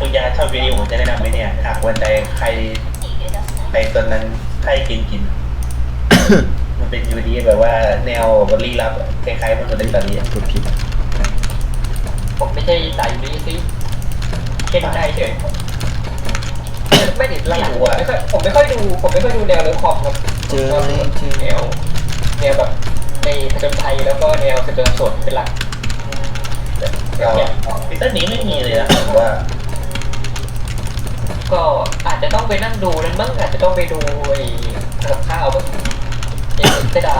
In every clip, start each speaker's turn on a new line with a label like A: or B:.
A: คุณยาชอบวิดีโอผมจะแนะนำไหมเนี่ยหากวันใดใครไปตอนนั้นใครกิน มันเป็นยูดีแบบว่าแนวบรีลับคล้ายๆมันตัวเล่นตอนนี้
B: กดผิด
C: ผมไม่ใช่สายนี้สิเข่นได้เฉยไม่ติดไม่รู้อ่ะผมไม่ค่อยดูแนวเรื่องคอมครับ
B: เจอไหมเจอ
C: แนวแบบในผจญภัยแล้วก็แนวสืบสวนเป็นหลัก
A: ก็พีเตอร์นี้ไม่มีเลยนะผมว่า
C: ก็อาจจะต้องไปนั่งดูนั่นบ้างอาจจะต้องไปดูไอ้กับข้าวบ้างไอ้เสดา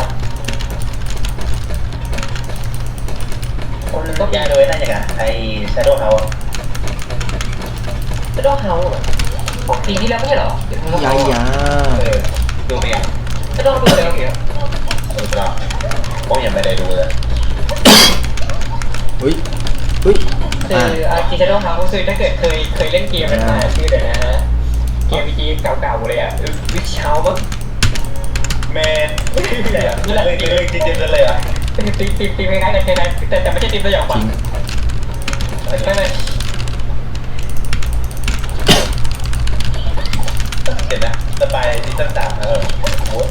A: คนต้องยาโดยน่าจะกันไอ้ Shadow House
C: เสดาเฮาของปีที่แล้วไม่ใช่เหรอ
B: ยายา
A: ดูไปยัง
C: เสดาดูแล้วเหรอ
A: ดูไปแล้วผมยังไม่ได้ดูเลย
B: อุ้ยอุ้ย
C: คืออาร์เซนอลเฮาส์คือถ้าเกิดเคยเล่นเกมนั้นมาชื่อเดี๋ยวนะเกมวีจีเก่าๆเลยอ่ะวิชเฮาส์มั้ง
A: แมนนี่แหละเรื่องจริงๆเลยอ่ะ
C: ตีคล้ายๆกันแต่ไม่ใช่ตีมตัวอย่าง
B: จ
C: ฝั
B: ริ
C: น
B: ง
C: ใช่ไหม
A: เห็นนะสปายซีซั่น3แล้วโอ้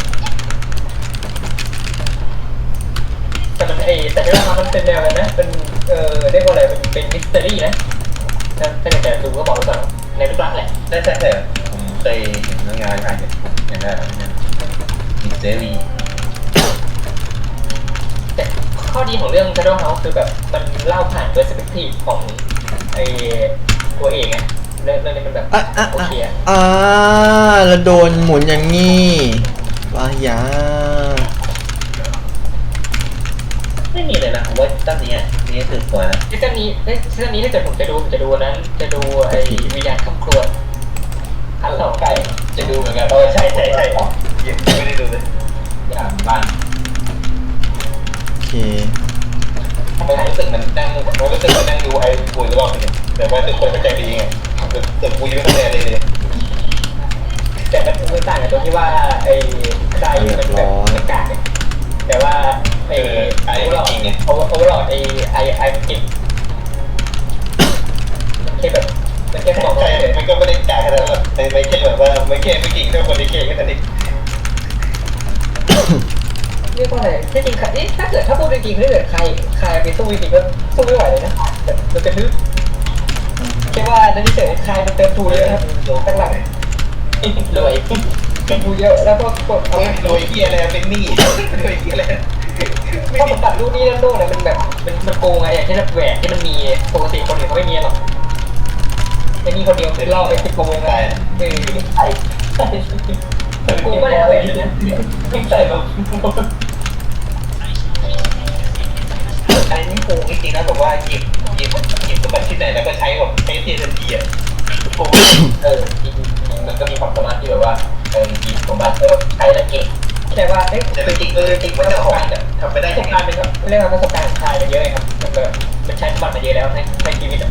C: แต่มันแต่ที่ว่ามันเป็นแนวอะไรนะเป็นเรียกว่าอะไรเป็นมิสเตอรี่นะถ้าเกิดจะดูก็บอกไว้ก่อนในรูปลักษณ์แหละ
A: ได้แต่ผมเคยเห็นงานอย่างนั้นมิสเตอรี่
C: แต่ข้อดีของเรื่อง Shadow House คือแบบมันเล่าผ่าน perspective ของตัวเองไงเรื่องนี้มันแบบโอเคอะ
B: แล้วโดนหมุนอย่างงี้ว้ายา
A: ไม่มีเลยนะผมว่าตั้งนี้นี่คือตัวนะ
C: ซีซั่นนี้ถ้าเกิดผมจะดูนั้นจะดูไอ้วิญญาณคำครวญอันสองไก่จะดูเหมือนกัน
A: ใช่ยังไม่ได้ดูเลยอย่างบ้าน
B: โอเค
A: ผมรู้สึกมันนั่งดูไอ้ปุ๋ยรอบนึงแต่ว่าทุกคนเข้าใจดีไงแต่ปุ๋ยไม่เข้าใจเลย
C: แต่มันไม่ต่างกันตรงที่ว่าไอ้ไก่มันแบบมันกากเนี่ยแต่ว่าไอ้โอเวอร์ลอดไอ้มันกินมันแค่แบบมันแค่บอกว่า
A: มันก็ไม่ได้จ่ายขนาดนั้นไม่แค่แบบว่าไม่แค่ไม่กิ่งเท่าคนที่เก่งแค่นั้นเอง
C: เรียกว่าอะไรที่จริงถ้าเกิดถ้าพูดจริงๆถ้าเกิดใครไปสู้จริงๆก็สู้ไม่ไหวเลยนะแต่มันจะนึกแค่ว่านั่นเฉยใครมันเติมทูเยอะครับตั้งหลังรวยเติมทูเยอะแล้วก็กดเอา
A: รวยเกียอะไรเป็นหนี้รวยเกียอะไร
C: ถ้าผมตัดรูปนี้นั่นโน่นเนี่ยมันแบบมันโกงไงอย่างเช่นแบบแหวนที่มันมีปกติคนอื่นเขาไม่มีหรอกไอ้นี่คนเดียวคือล่อไป10 กว่าโมงได้ใช่กูก็แล้วแหวนนะไม่ใส่แบบ
A: อันนี้โกงจริงๆนะแบบว่าหยิบสมบัติที่ไหนแล้วก็ใช้แบบใช้เทียนทันทีอ่ะโกง
C: จริงมันก็มีความสามารถที่แบบว่าหยิบสมบัติใช้แล้วเก่งแต่ว่า
A: แต่จริงว่าเจ้าของทำไปได้
C: ประส
A: ยั
C: บ
A: งไง
C: การณ์เป็นเรื่องประสบการณ์ชายมันเยอะครับมันแบบมันใช้สมบัติมาเยอะแล้วในชีวิต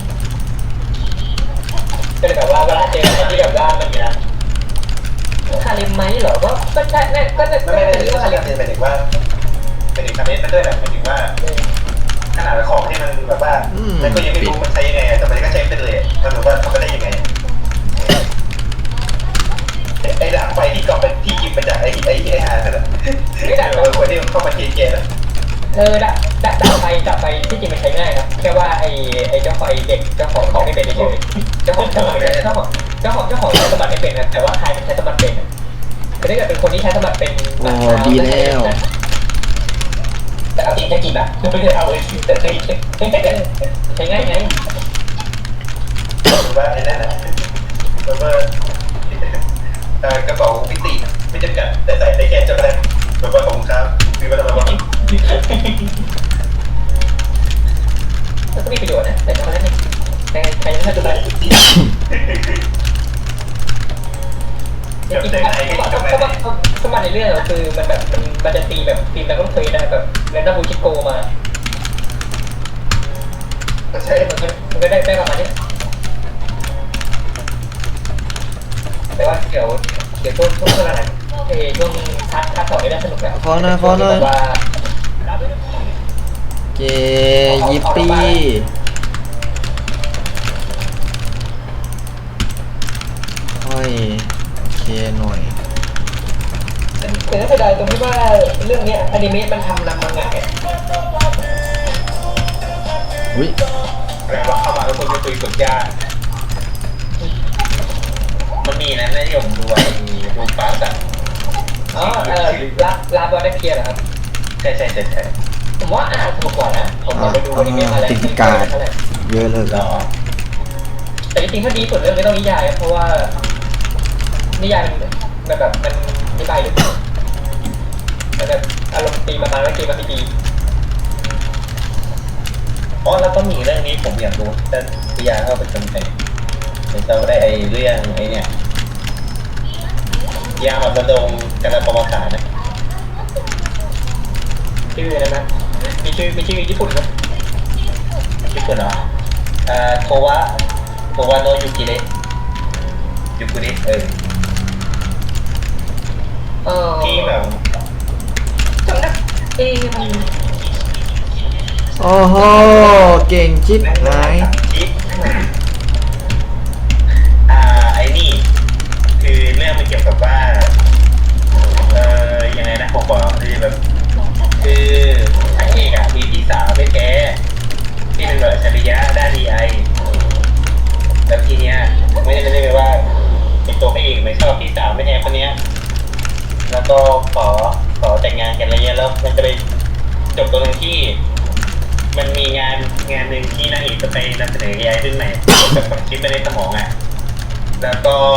C: ก็เลยแบบว่าเวลาเจออะไรที่แบบว่ามันคาริมไหมเหรอก็ใช่ก็จะ
A: ไม่ได้เรื่องอะไรหมายถึงว่าเป็นอีกคำนี้มันด้วยแบบหมายถึงว่าขนาดของที่มันแบบว่ามันก็ยังไม่รู้มันใช้ยังไงแต่มันก็ใช้ไปเลยมันแบบว่าทำไปได้ยังไงไอ้หลังไฟที่กลับไปที่หยิบมาจากไอ้หานั่นแหละไม่ได้เลยคนที่เข้ามาเทียนเกล้
C: ดับไฟที่จริงมันใช้ง่ายครับแค่ว่าไอ้เจ้าของเด็กเจ้าของเขาไม่เป็นเฉยเจ้าของใช้สมบัติไม่เป็นนะแต่ว่าใครมันใช้สมบัติเป็นแต่ถ้าเกิดเป็นคนที่ใช้สมบัติเป็น
B: ดีแล้ว
C: แต่เอาจริงแค่กี่บาทไม่ได้เอาเลยแต่ใช้ง่ายไง
A: ว่าไอ้นั่นนะแบบว่ากระเป๋ามิติไม่จำกัดแต่ใส่ได้แค่ช็อกโกแลตแบบว่าของครับมีมาทำอะไรบ้าง
C: ก็มีประโยชน์นะแต่ช็อกโกแลตนี่ใครยังไม่ดูได้สมัยในเรื่องคือมันแบบมันจะตีแบบตีแล้วก็เคยได้แบบเรนดัมบูชิโกมา
A: ใช่
C: มันก็ได้ประมาณนี้แต่ว่าเดี๋ยวช่วงอะไรช่วงคัดต่อได้สนุกแบบว่า
B: เจยิปปี้
C: ดายตรงที่ว่าเรื่องเนี้ยอนิเมะมันทำนำมังงะ
B: อุ้ย
A: แปลว่าเข้ามาแล้วคนจะคุยกดยากมันมีนะที่ผมดูดูปาร์ตอะ
C: อ๋อลาบอดเคียร์เหรอครับ
A: ใช่
C: ผมว่าอ่านสนุกกว่านะผมไปดูอนิเมะมาแล้ว
B: ติดการ์ดเยอะเลย
A: หรอ
C: แต่จริงๆถ้าดีสุดเรื่องไม่ต้องนิยายเพราะว่านิยายมันแบบมันนิยายลึกมันแบบอารมณ์ตีมาแล้วเกมมาดี
A: อ๋อแล้วก็มีเรื่องนี้ผมอยากรู้แต่พิยาเข้าไปจนไปเดี๋ยวเราได้ไอ้เรื่องไอ้เนี่ยยามาประดงกันประวัติศาสตร์นะ
C: ชื่ออะไรนะมีชื่อญี่ปุ่นไหม
A: ญี่ปุ่นเหรอโทวะโนยุกิเระยุกุเระที่แบบ
C: จำได้มัน
B: โอ้โหเก่งชิบหาย
A: จิ๊บไอ้นี่คือเรื่องมันเกี่ยวกับว่ายังไงนะผมบอกคือแบบคือพระเอกอะมีพี่สาวไม่แท้ที่เป็นแบบอัจฉริยะด้านดีไอแล้วทีเนี้ยไม่ได้เลยว่าเป็นตัวพระเอกไม่ชอบพี่สาวไม่แท้คนเนี้ยแล้วก็ขอแต่งงานกันอะไรเงี้ยแล้วมันจะไปจบตรงที่มันมีงานหนึ่งที่นางเอกจะไปนำเสนอ AI ขึ้นใหม่แบบฝังชิปไปในสมองอ่ะแล้ว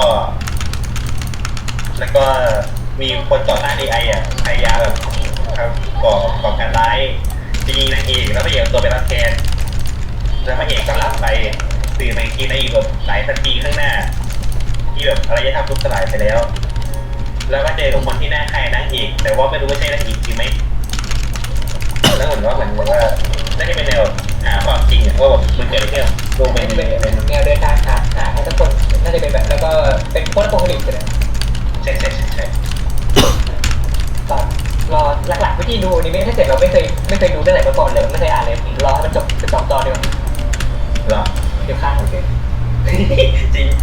A: ก็มีคนต่อต้าน AI อ่ะพยายามแบบก่อการร้ายจะยิงนางเอกแล้วพระเอกตัวไปรับแทนแล้วพระเอกก็รับไปตื่นมาอีกทีนางเอกแบบหลายสัปดาห์ข้างหน้าที่แบบอารยธรรมทุบสลายไปแล้วแล้วก็เจอกับคนที่หน้าคล้ายนางเอกแต่ว่าไม่รู้ว่าใช่นางเอกจริงไหมแล้วเหมือนว่าน่าจะเป็นแนวหาความจริงว่าแบบมันเกิดอะไรขึ้นโดนเป็น
C: แนวเดินทางหาให้ทุกคนน่าจะเป็นแบบแล้วก็เป็นโค้ดโปรโมทเลย
A: ใช่
C: ตอนรอหลักๆวิธีดูอนิเมะถ้าเกิดเราไม่เคยดูเรื่องไหนมาก่อนเลยไม่เคยอ่านเลยรอให้มันจบเป็น2 ตอนดีกว่า
A: เหรอ
C: เดี๋ยวข้างโอเค
A: จริง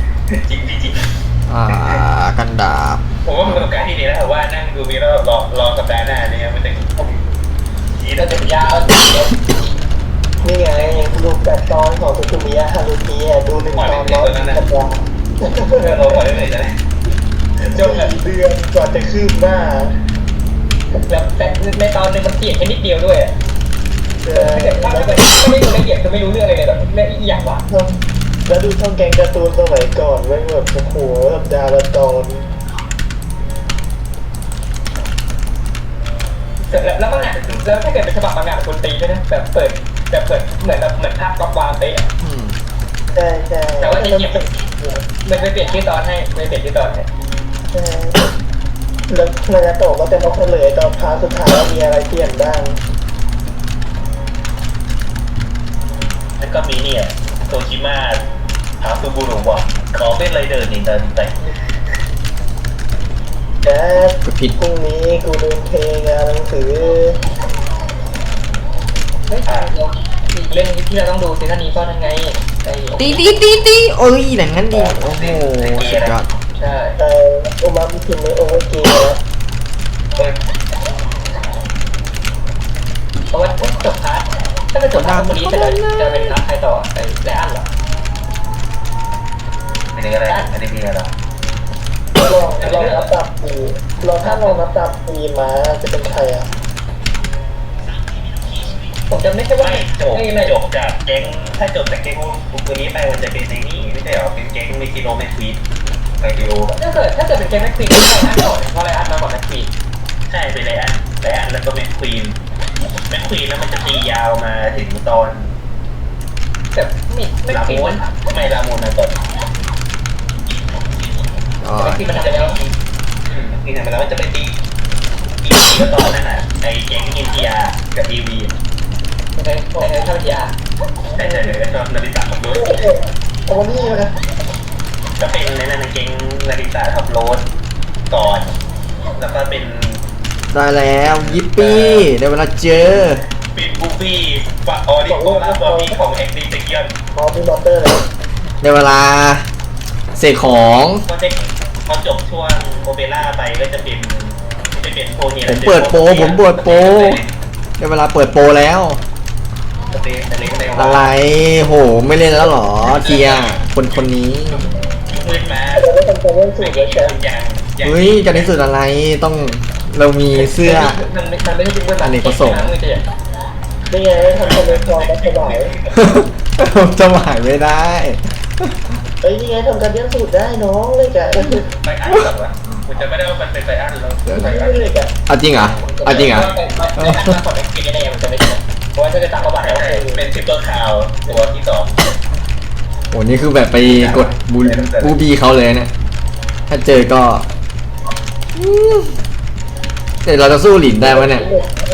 B: กันดาบ
A: ผมว่ามันเป็นประสบการณ์ที่ดีแล้วแต่ว่านั่งดูมีแล้วรอสัปดาห์หน้าเนี่ยมันจะยีเราจะยาว
C: นี่ไงดู8 ตอนของสุมิยะฮารุมิดู1 ตอน100 สัปดาห์
A: เราปล่อยได้เลยจะได้
C: จนเดือนกว่าจะคืบหน้าแล้วแต่ในตอนนึงมันเปลี่ยนแค่นิดเดียวด้วยถ้าไม่ดูละเอียดคือไม่รู้เรื่องอะไรเลยแบบเรื่องอีกอย่างวะ
D: แล้วดูช่องแกงการ์ตูนสมัยก่อนแม่งแบบโอ้โหสัปดาห์ละตอน
C: แล้วมันอ่ะแล้วถ้าเกิดเป็นฉบับมังงะคนตีด้วยนะแบบเปิดเหมือนภาพกวางเป๊ะ
D: ใช่ใช่
C: แต่ว่าจะเก็บมันไปเปลี่ยนชื่อตอนให้ไปเปลี่ยนชื่อตอนให้
D: ใช่แล้วนายาโตะก็จะมาเฉลยตอนพาร์ทสุดท้ายว่ามีอะไรเปลี่ยนบ้าง
A: แล้วก็มีเนี่ยโตชิมาถามซูบูรุบอกขอเป็นไรเดอร์นี่เดินไป
D: แจ๊ด
B: ก็ผิด
D: พรุ่งนี้กูลืมเพลงงานหนังสือ
C: อีกเรื่องที่เราต้องดูซีซั่นนี้ก็ทั้งไงไอ้
B: ตีโอ้ยอย่างนั้นดีโอ้โหสุดยอด
C: ใช่
D: ไอโอมามิคิมเมโอเวอร์เกย์
C: เพราะว่าจบพาร์ทถ้าเป็นจบพาร์ทคนนี้จะเป็นพาร์ทใครต่อไอ้ไลอ้อนเหรอ
A: อันนี้อะไรอันนี้มีอะไร
D: ลองนับตับปีถ้าลองนับตับปีมาจะเป็นใครอ่ะ
C: ผมจำไม่ใช่ว่า
A: ไม่จบจากแก๊งถ้าจบจากแก๊งบุกนี้ไปมันจะเป็นในนี่ไม่ใช่หรอเป็นแก๊งมิคิโนแมคควีนไคดิโอแบบ
C: ถ้าเกิดเป็นเกมแม็กควีนก็ไลอ้อนก่อนเพราะไลอ้อนมาก่อนแม็กควีน
A: ใช่เป็นไลอันแล้วก็แมคควีนแล้วมันจะตียาวมาถึงตอน
C: แต่ไม่
A: ลา
C: ควีน
A: มู
C: มัน น
A: ไม่ลามูนนะก่อน
B: อ๋อ
C: แม็กควีนมันทำไปแล้ว
A: นี่ทำไปแล้วมันจะไปตีก็ตอนนั้นน่ะไอ้แก๊งอินเดียกับทีวี
C: ในท่าวิทยา
A: แต่ตอนนาฬิกาขับรถ
D: โอ้นี่นะ
A: ก็เป็นในนั้นแก๊งนาฬิกาขับรถก่อนแล้วก็เป็น
B: ได้แล้วยิปปี้ได้เวลาเจอ
A: ปิดบูฟี่ฟาออริโกลาบอบี้ของแอ็กซ์ดิเกียน
D: พอมีมอเตอร์เลย
B: ได้เวลาเสกของ
A: ก็จะพอจบช่วงโอเปร่าไปก็จะเป็นเป็นโปรเนี่ย
B: ผมเปิดโปรได้เวลาเปิดโปรแล้ว อะไร โห ไม่เล่นแล้วเหรอเทียคนนี้
A: มืดมา
D: เราไม่ทำการเล่นสูตรเลยแชมป์
B: เฮ้ยการที่สุดอะไรต้องเรามีเสื้อ
C: มันไม่ใช่เป็นเพื่อน
B: อเนกประสงค์
D: นี่ไงทำคอมเมนต์พอมาสบาย
B: จะหมายไม่ได้
D: เฮ้ยนี่ไงทำการเล่นสูตรได้น้องเลยกะ
A: ไปอันหรอวะกูจะไม่ได้ว่ามันเป็นไปอันแล้วไปอัน
D: เลยกะ
B: เอาจริงเหรอเอาจริงเหรอ
C: ไม่ได้มาก่อนไม่กินแน่มันจะไม่ใช่เพราะว่าถ้าจะตามประวัติแล้ว
A: เป็นซิปเปอร์คาวตัวที่สอง
B: โหนี่คือแบบไปกดบูบีเขาเลยเนี่ย ถ้าเจอก็แต่เราจะสู้หลินได้ไหมเนี่ย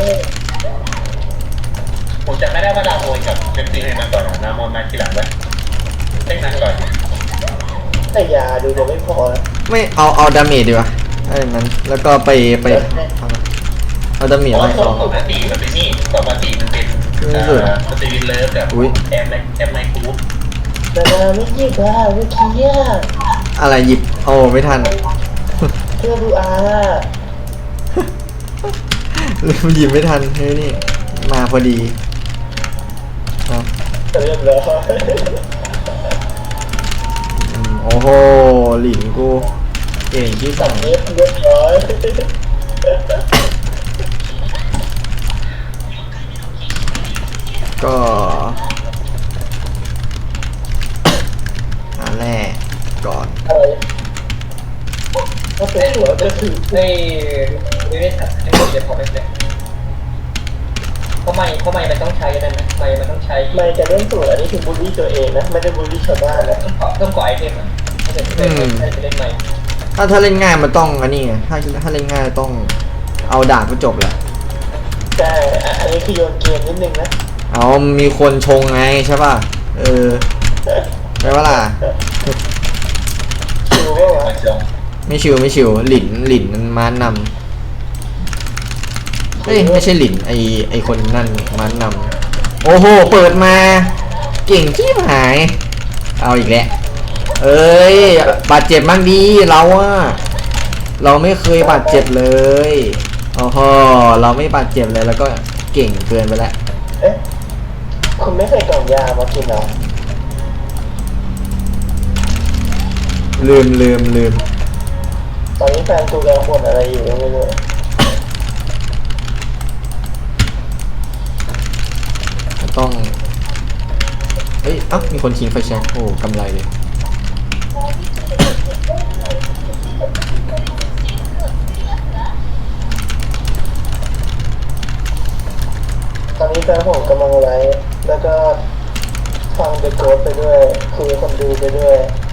A: ผมจะไม่ได้ว่าดาวโอยกับเป็นซีเรนมาก่อนนะโมนมาทีหลังไว้เล่นนั้นก่อน
D: แต่ยาดูจะไม่พอแล้ว
B: ไม่เอาดาเมจดีกว่าไอ้นั้นแล้วก็ไปเอาดาเมจ
A: เพราะ
B: ให้
A: ว่า
B: เขา
A: ปกติมันเป็นนี่ปกติมันเป็นสตีวินเลิฟกับแอมไนคูป
D: แต่นาไม่ยิบอ่ะเมื่อกี้อ่ะ
B: อะไรหยิบโอ้ไม่ทัน
D: เพื่อดูอา
B: ลืมหยิบไม่ทันเฮ้ยนี่มาพอดีเอา
D: เรียบร้อย
B: โอ้โหหลินกูเก่งที่
D: สั่
B: สั่
D: ง
B: ง
D: เรียบร้อย
B: ก็แรกก่อน
D: อะไรก็เป็นหัวก็คือ
C: ในไม่ได้ตัดให้หมดเดี๋ยวพอไม่เลยเพราะไม่มันต้องใช้นั่นนะไม่มันต้องใช้
D: ไม่จะเล่นสูตรอันนี้คือบูลลี่ตัวเองนะไม่ได้บูลลี่ชาวบ้านนะ
C: ต้องก่อไอเทมอ่ะถ้าเกิดจะเล่นใหม่
B: ถ้าเล่นง่ายมันต้องอันนี้ไงถ้าเล่นง่ายต้องเอาดาบก็จบแหละ
D: แต่อันนี้คือโยนเกมนิดนึงนะ
B: เอามีคนชงไงใช่ป่ะใช่ปะล่ะ
D: ชิวว่าวะ
A: มาจง
B: ไม่ชิวหลินมันม้านำเอ้ยไม่ใช่หลินไอคนนั่นม้านำโอ้โหเปิดมาเก่งที่หาย เอาอีกแล้วเอ้ยบาดเจ็บมั่งดีเราอะเราไม่เคยบาดเจ็บเลยโอ้โหเราไม่บาดเจ็บเลยแล้วก็เก่งเกินไปแล้ว
D: เอ๊ะคุณไม่ใส่กล่องยามากินเหรอ
B: ลืม
D: ตอนนี้แฟนกูกำลังบ่นอะไรอยู่ก็ไม่รู้
B: ต้องเอ้ยเอ้ามีคนทิ้งไฟแช็กโอ้กำไรเลย
D: ตอนนี้แฟนผมกำลังไลฟ์แล้วก็ฟังเดอะโกสไปด้วยคุยกับคนดูไปด้วย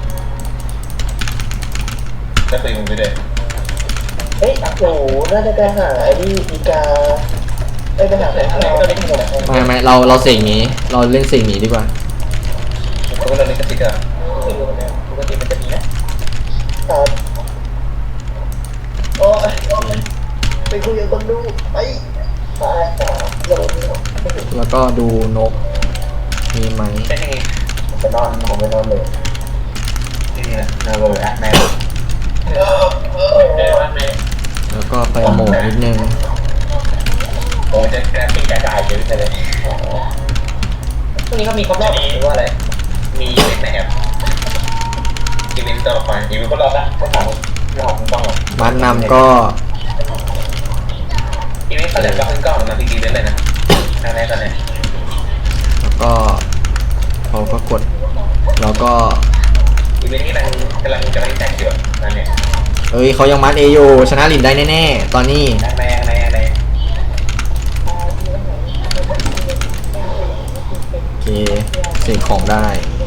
A: ก็ตีมึงไปเลย
D: เอ้ยโอ้โหน่าจะไปหาไอ้นี่อีกาได้ไปหาแฟนเขา
C: ก็เล่นหมด
B: ไม่เราเสียงนี้เราเล่นเสียงนี้ดีกว่า
A: เขาก็เลยกระติกอะ
C: ปกติมันจะมีนะครับ
D: โอ้ยไปคุยกับคนดูไปโดน
B: แล้วก็ดูนกมีไหม
A: ใช่ไง
D: ไปนอนผมไปนอนเลย
A: นี่แหละนาโรอะแม่
C: ว่าใน
B: แล้วก็ไปโหมนิดนึง
A: โอ้จะกระติกกระจายเยอะเลย
C: ช่วงนี้เขามีครบรอบหรือว่าอะไร
A: มีเล็กนะครับอีเวนต์ตัวละครอีเวนต์ก็รอละก็ถามเราของกล้องหรอ
B: ม้านำก็
A: อีเวนต์ก็เลยก็ขึ้นกล้องมาทีเวนต์เลยนะทางไหนตอนไหน
B: แล้วก็เขาก็กดแล้วก็
A: อีเวนต์นี้กำลังแจกอยู่นั่นเนี่ย
B: เอ้ยเขายังมัดเออยู่ชนะหลินได้แน่ๆตอนนี้
A: ทางไหน
B: โอเคเสกของได้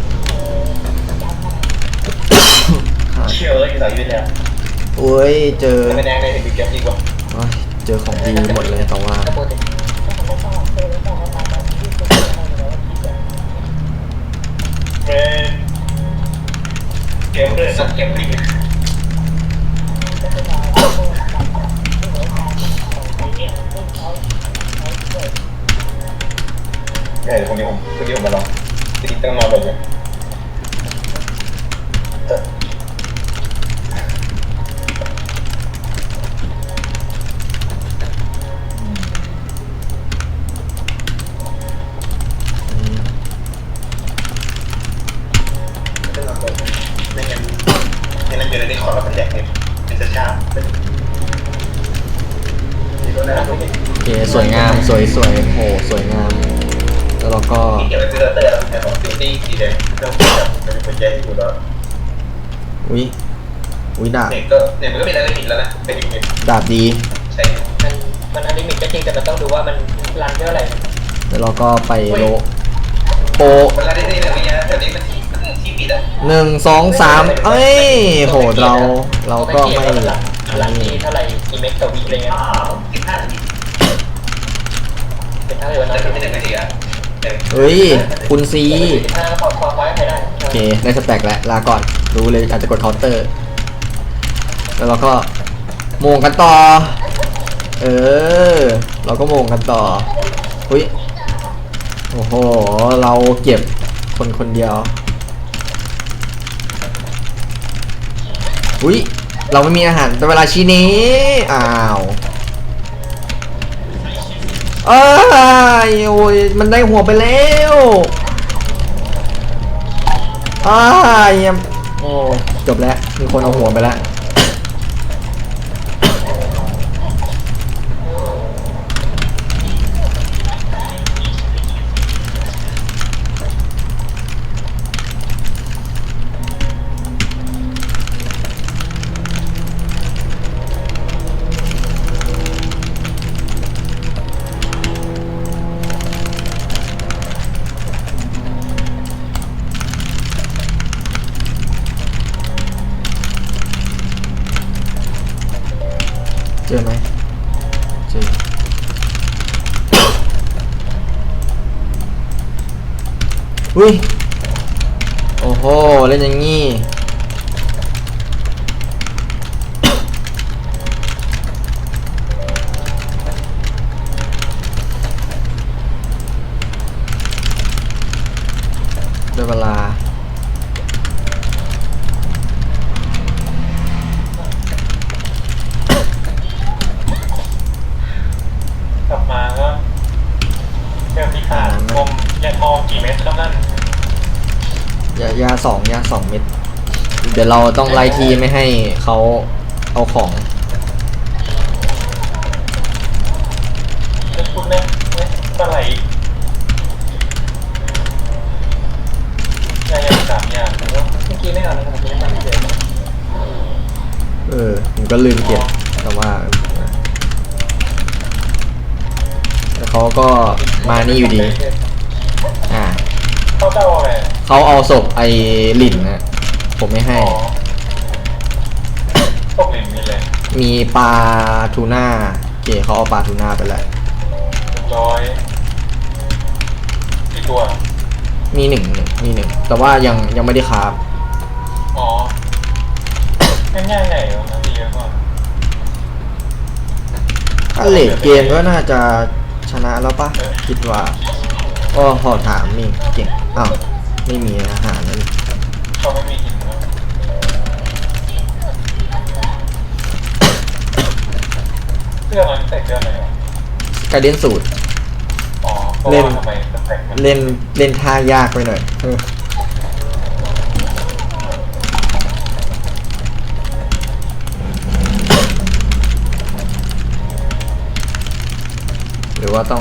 A: เชื่อเลยอยู่ต่อยืนแล้ว
B: โอ้ยเจอ
A: ไม่แดงเลยถึงเก็บดีกว่า
B: โอ้ยเจอของดีหมดเลยแต่ว่า
C: ก็โปรตี
A: เกมเลยสักเกมลิงเดี๋ยวคนนี้ผมมาลองจริงต้องนอนเลยไม่งั้นเกิดอะไรได้ขอรับเป็นแดกเนี่ยเป็นจะชานี่ก็น่า
B: โอเคสวยงามสวยโอ้สวยงามแล้วเราก็
A: เก็บไว้ซื้อเตอร์แต่ของซิตี้สีแดงต้องเป็นคนใจอยู่แล้ว
B: อุ้ยดาบ
A: เนี่ยมันก็เป็นอะไรผิดแล้วนะเป็นอย่างนี้
B: ดาบดี
A: ใช่
C: มันอนิเมะก็จริงแต่มันต้องดูว่ามันรันเท่าไหร่
B: แล้วเราก็ไปโลโป
A: เวลาได้ในระยะแถวนี้มันที่ปิดอ่ะ
B: 1 2 3เอ้ยโหเราก็ไม่
C: รันที่เท่าไหร่กี่เมกต่อวิอะไรเงี้ย
A: 15 นาที
C: เป็นเท่าไหร่วัน
A: แต่
C: นั้น
A: ไม่1 นาทีอ่ะ
B: เฮ้ยคุณซี
C: 15ก็พอไว้ใครได้
B: โอเคได้สแต็กแล้วลาก่อนรู้เลยอาจจะกดเคาน์เตอร์ แล้วเราก็โมงกันต่อเราก็โมงกันต่ออุ้ยโอ้โหเราเก็บคนเดียวอุ้ยเราไม่มีอาหารแต่เวลาชี้นี้อ้าวอ้ายโอ้ยมันได้หัวไปแล้วอ้ายโอ้จบแล้วมีคนเอาหัวไปแล้วเจอไหมเจออุ้ยโอ้โหเล่นอย่างงี้ได้เวลาก
E: ลับมาก็เจอพิขาดกลมยาทองกี่เม็ดครับนั่น
B: ยาสองเม็ดเดี๋ยวเราต้องไล่ทีไม่ให้เขาเอาของ
E: จะพูดไหมปลาไหลยาอย่าง3 อย่างแล้วก็
C: เมื่อกี้ไม่เอาแล้วครับไม่ทำเฉย
B: ผมก็ลืมเก็บแต่ว่าแล้วเขาก็มานี่อยู่ดีอ่า
E: เขาเจ้าอะไร
B: เขาเอาศพไอ้หลินนะผมไม่ให้
E: อ๋อตกหลินมีเลย
B: มีปลาทูน่าโอเคเขาเอาปลาทูน่าไปแล้ว
E: 100กี่ตัว
B: มีหนึ่งแต่ว่ายังไม่ได้คราฟ
E: อ๋อง่ายๆไงวะน่าจะเยอะกว่า
B: ถ้าเลทเกมก็น่าจะชนะแล้วปะคิดว่าก็พอถามมีเก่งอ้าวไม่มีอาหารนั่น
E: เขาไม่มีหินนะเสื้อมันแต่เสื้ออะไรวะ
B: การเล่นสูตร
E: อ๋อเพราะว่าทำไมสเต็กมัน
B: เล่นท่ายากไปหน่อยหรือว่าต้อง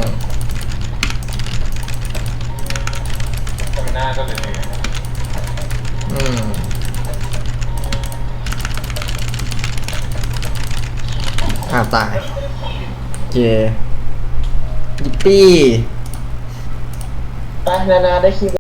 E: หน้าก็เลย
B: ตายเจยิปปี้
C: ไปนานาได้คิว